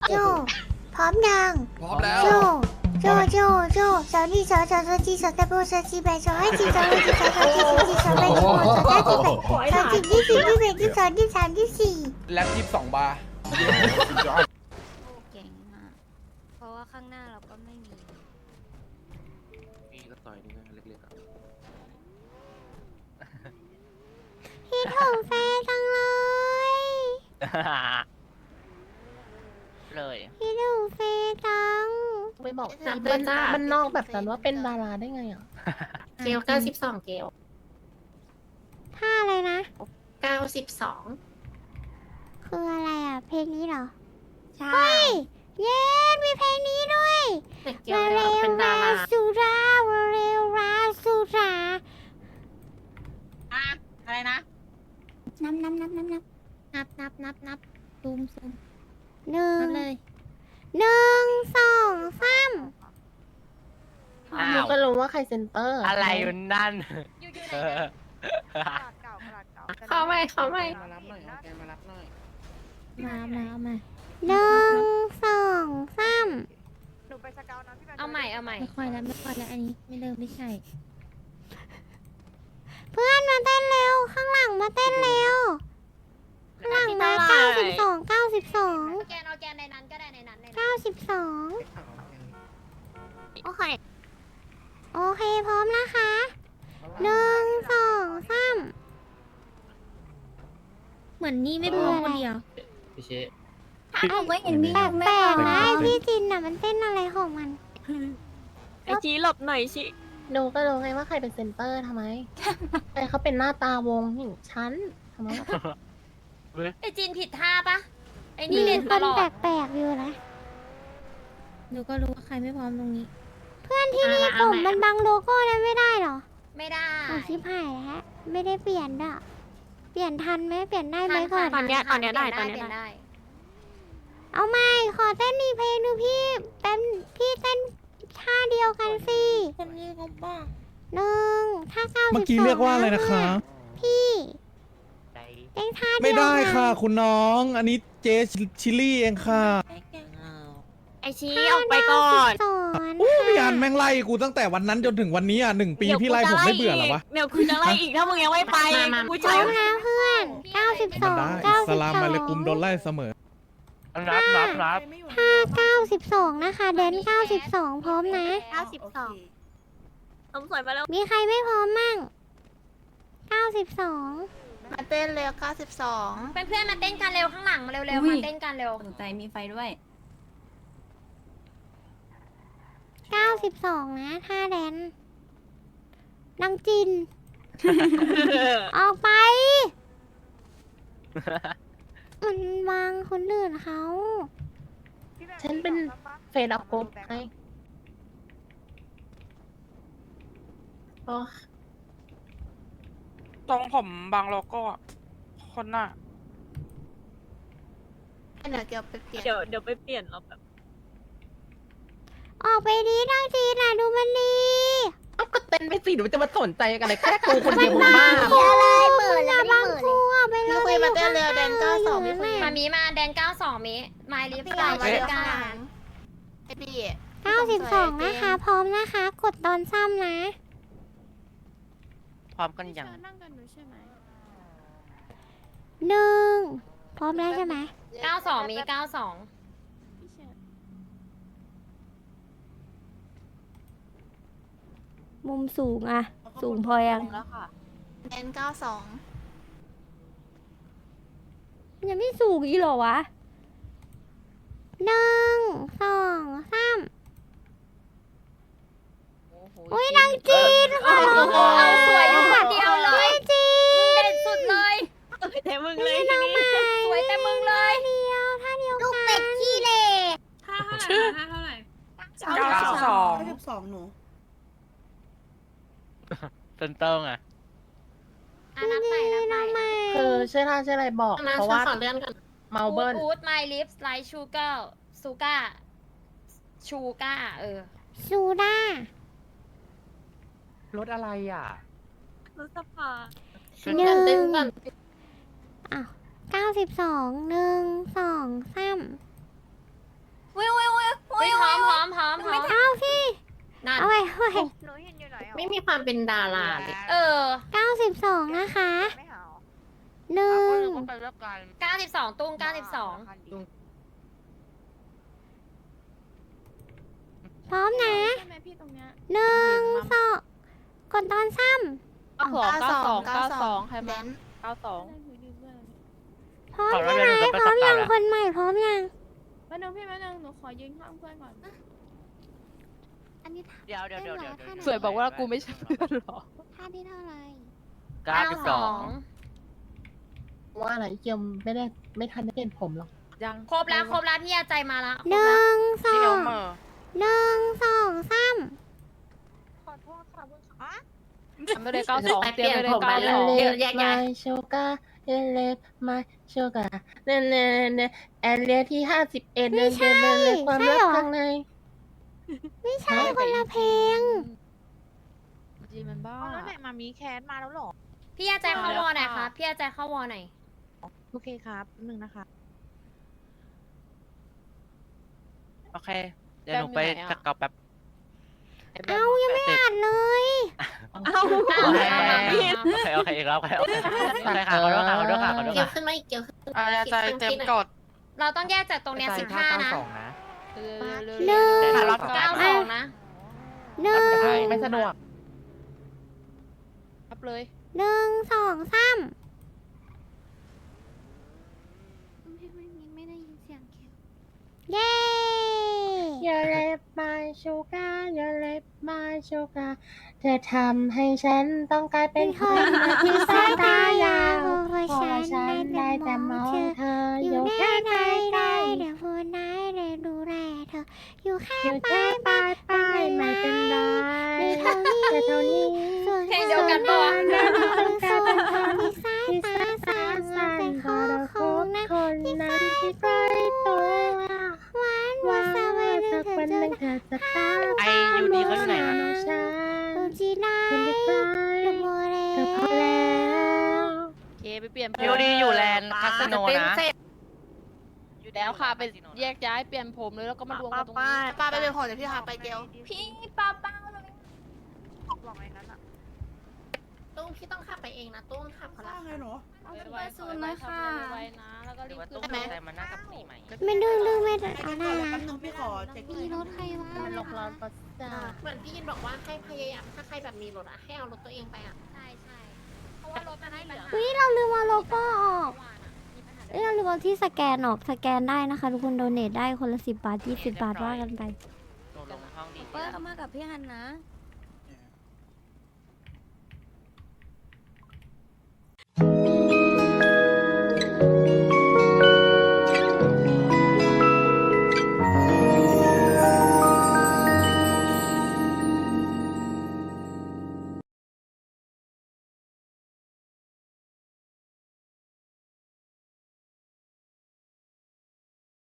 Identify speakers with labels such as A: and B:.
A: โจพร้อมยัง
B: พร้อมแล้ว
A: โจสาวนี่สาวจีสาวตะโบสาวจีแบสาวให้จีสาวให้จีสาวจีสาวแบสาวสาวจีแบสาวจีที่สี่ที่แบที่สองที่สามที่สี่
B: แล็บ22 บาร์
C: เก่งมากเพราะว่าข้างหน้าเราก็ไม่มี
D: นี่ก็ต่อยนี่ก็เล็กๆอ่ะ
A: คิดถึงแฟนจังเลย
D: เลย
A: คิดถึงแฟนจัง
E: ไปบอก
F: ถามเพื่อนจ้า
E: มันนอกแบบนั้นว่าเป็นดาราได้ไงอ่ะ
F: เกล92เกล
A: ท่าอะไรนะ
F: 92
A: คืออะไรอ่ะเพลงนี้เหรอ
C: ใช่
A: เฮ้ยเย้มีเพลงนี้ด้วย
F: แต่เกล
A: มา
F: เนี่ย
A: เร็ว
F: เป็นดา
A: รา
F: รา
A: สุรามาเร็วราสุรา
E: อะไรนะ
A: นับ
E: ซูม
A: หนึ่ง
E: นับเลย
A: 1 2 3
E: หนูก็รู้ว่าใครเซนเตอร์
D: อะไรอยู่นั่น
F: เข้าไม่
E: มารับหน่อยเอาแกมารับหน่อย
A: 1 2 3
C: เอาใหม่
E: ไม่ค่อยแล้วอันนี้ไม่เริ่มไม่ใช่
A: เพื่อนมาเต้นเร็ว ข้างหลังมาเต้นเร็ว ข้างหลังมา92 92
C: แกนเอาแกนในนั้นก็ได้ในนั้น
A: 92
C: ในนั้น
A: โอเค โอเค พร้อมนะคะ 1 2 3
E: เหมือนนี่ไม่พร้อมคนเดียว
D: พี่เช
C: เอาไม่เห็นมี
A: แปลกๆนะไอ้พี่จินน่ะมันเต้นอะไรของมัน
G: ไอจีหลบหน่อยชิ
E: หนูก็รู้ไงว่าใครเป็นเซนเตอร์ทำไม ไอเขาเป็นหน้าตาวงอย่างฉันทำไม
C: ไอจีนผิดท่าปะไอ
A: มี
C: นี่เล่น
A: ค
C: ต
A: น
C: ลอด
A: แปลกๆอยู่นะ
E: หนูก็รู้ว่าใครไม่พร้อมตรงนี้
A: เพื่อนที่นี่ผมมันบังโลโก้นั้นไม่ได้เหรอ
C: ไม่ได้
A: เอาชิบหายแล้วไม่ได้เปลี่ยนด่ะเปลี่ยนทันไหมเปลี่ยนได้ไหมก่อน
G: ตอนเนี้ยได้
C: เปลี่ยนได้
A: เอาไม่ขอเต้นอีกเพลงหนึงพี่เต้นพี่เต้นท่าเดียวกันสิ
E: คนนี้เขาบ้า
A: 1ถ้า92
H: เมื่อกี้เรียกว่าอะไรนะคะ
A: พี่เต้นท่าเดียว
H: ไม่ได้
A: กัน
H: ค่ะ คุณน้อง อันนี้เจชิลลี่เองค่ะ
G: ไอชีออกไปก่อน
A: สอน
H: อู้พี่อันแม่งไล่กูตั้งแต่วันนั้นจนถึงวันนี้อ่ะ1 ปีพี่ไล่ผมไม่เบื่อเหรอวะ
G: เดี๋ยวคุณจะไล่อีกถ้ามึงยังไม่ไปกู
A: พ
G: ใช้
A: ร้อมแล้วเพื่อน
H: มันได้
A: 92
H: สลามมาเลยกุมโดนไล่เสมอ
D: นับ
A: ท่า92นะคะแดน92 พร้อมนะ
G: สมสวยไปแล้ว
A: มีใครไม่พร้อมมั่ง92
F: มาเต้นเร็ว92
C: เพื่อนๆมาเต้นกันเร็วข้างหลังมาเร็วๆมาเต้นกันเร็ว
G: สนใจมีไฟด้วย
A: 92นะท่าแดนนางจิน ออกไป มันวางคนอื่นเขา
E: ฉันเป็นเฟดออกกบไงโอ้
G: ตรงผมบางโลโก้อะคนน่ะ
F: เดี๋ยวเกลไปเปลี่ยน
G: เดี๋ยวไปเปลี่ยนเราแบบ
A: ออกไปดีนางจินน่ะดูมันดี
E: เอาก็เต้นไปสิหนูจะมาสนใจกันเลยแค่กูคนเดียวบ้า
A: เดี๋ยวเลยเปิดแล้วบางครูอ่ะไป
F: พี่คุยมาเต้นเร็วแดน92พี่คุย
C: มามีมาแดน92มิไมลิฟ
F: พี่
C: ต์
F: กา
C: ไล
F: ย
C: ฟ์
F: มา
C: ชิ
F: เร็วข้าง
C: ก้า
F: หลังไอพี่
A: 92นะคะ พร้อมนะคะ กดตอนซ้ำนะ
D: พร้อมกันยัง
A: 1พร้อมแล้วใช่ไหม
C: 92มิ92
A: มุมสูงอะสูงพอยัง
F: แดน92
A: ยังไม่สูงอีกเหรอวะ1 2 3อุ้ยนางจีนค่ะ
C: เอาสวยอยู่คนเดียวเลย
A: จีน
C: เด่นสุดเลย
G: แต่มึงเลยทีนี้
C: สวยแต่มึงเลย
A: เดียวท่าเดียวกัน
C: ลูกเป็ดขี้เหร่
G: 92
F: หนู
D: เซนเตอร์ไง
C: นับใหม่นับใหม่
E: คือชื่อท่าชื่ออะไรบอก
F: นะ
E: เพราะ
F: ฉัน
E: ว่า
F: ขอเลื่อนก่อน
E: เมาเบิร์น
C: อูดไมลิฟต์ไลท์ชูเกอร์ซูก้าชูก้า
A: ซูด้าร
D: ถอะไรอ่ะ
G: รถสภา
A: หนึ่
F: เต้น
A: ง
F: ก่อน
A: 92 1 2 3 ด้วย
G: หนูเห็นอยู่ไหน
E: ไม่มีความเป็นดาราเลย
A: 92นะคะ
G: ไม่หา
A: หนึ่ง
C: 92ตุ้ง92
A: พร้อมนะ
G: ใช่ไหมพี่ตรงเนี้ย
A: หนึ่งสองกดตอนซ้
F: 92ใครมา
G: 92
A: ำพร้อมใช่ไหมพร้อมยังคนใหม่พร้อมยัง
G: แป๊บนึงพี่แป๊บนึงหนูขอยืนข้างเพื่อนก่อน
A: อันนี้
D: เดี๋ยว
A: สวยบอกว่ากูไม่ใช่
D: เพื่อนหรอ
A: ท่าที่เท่าไหร่
C: 92
E: ว่าอะไรเกียมไม่ทันได้เปลี่ยนผมหรอก
C: ครบแล้วพี่ยาใจมาแล้ว
A: หนึ่งสองหนึ่งสองสาม
G: ขอโทษค่ะเพื่อนค่ะ
E: ไม่ได้92เปลี่ยนผมไปแล้วมาโชกาเล็บมาโชกาเน่แอเรียที่51เดินความรักข้างใน
A: ไม่ใช่คนละเพลง
G: จีมันบ้าแล้วไหนมามีแคสมาแล้วหรอ
C: พี่ยาใจเข้าวอหน่อยครับพี่ยาใจเข้าวอหน่อย
G: โอเคครับนึงนะคะ
D: โอเค เดี๋ยวหนูไปจักเกาแป๊บ
A: เอายังไม่อ่านเลย
G: เอา
D: โอเคอีกแล้วโอเคค่ะขอโทษค่ะ
E: เกี่ยวขึ้นไหมเกี่ยวขึ้น
F: ใจเต็มกด
C: เราต้องแยกจากตรงเนี้ย15นะ
A: หนึ่ง
C: 92นะ
A: หนึ่ง
D: ไม่สะดวก
G: รับเลย
A: หนึ่งสองสามไม่ได้ยินเสียงแคลเย้
E: อย่าเล็บมาโชกาอย่าเล็บมาโชกาเธอทำให้ฉันต้องกลายเป็นคนที่สายตายาวพอฉันได้แต่มองเธอ
A: อ
E: อยู่ ยู่
A: แค่
E: แค่
A: ใก
E: ใก
A: ล้
E: ล้
A: ๆเดี๋ยวพูดไหนเดี๋ยวดูแลเธอ อยู่แค่
E: อยู่
A: ปลา
E: แค่
A: ย
E: ปลายไม่เป็นไร
A: มีเท่านี้
E: แต่เท่านี้
A: ส่วน
C: เพลงเดียวกันปะวะ
A: ส่วนที่สาย
E: ที่
A: ตา
E: สาย
A: สั่
E: ตาน สั่น
A: เป็น
E: พ
A: ข
E: อ
A: อง
E: เรา
A: ข
E: พ
A: อง
E: บ
A: นะ
E: คนนั้นที่ใกล้ตัว
A: หวาน
E: ว่า
A: สบาย
E: สักวันหนึ่งเธอจะตาม
D: ไอยูดีเขาอยู่ไหน
E: มาฉัน
A: ดูจีไล
E: เป็นเด็กไกล
A: ดูโมเร
E: เธอพอแล้ว
G: เคไปเปลี่ยน
D: ยูดีอยู่แลนด์คาสโนนะ
G: อยู่แล้วค่ะไปแยกย้ายเปลี่ยนผมเลยแล้วก็มารวมกันตรงนี้
F: ป้าไปเป็นผลเดี๋ยวพี่พาไปเดียว
C: พี่ป้า
E: ตุ้งพี่ต้องขับไปเองนะตุ้งขับเขาละ
G: ไว้ศูนย์เลยค่ะไว้นะแล้วก็
D: ห
G: รี
D: รือบ ว่า
G: ขึ้
D: ตู้
G: น
D: ใจมานั่งกับนี่ไหม
A: ไม่ดื้อไม่ได้เอาได้นะ
E: มีรถใครวะลงร้อนปัสสาวะเหมือนพี่ยินบอกว่าให้พยายามถ้าใครแบบมีรถอะให้เอารถตัวเองไปอะ
C: ใช่เพราะว่ารถมันให้เหลือ
A: อุ้ยเราลืมเอาโลโก้ออกเราลืมเอาที่สแกนออกสแกนได้นะคะทุกคนโดเนทได้คนละ10 บาท20 บาทว่ากันไป
D: หนูลงห้องดี
G: เปิ้ลมากับพี่ฮันนะ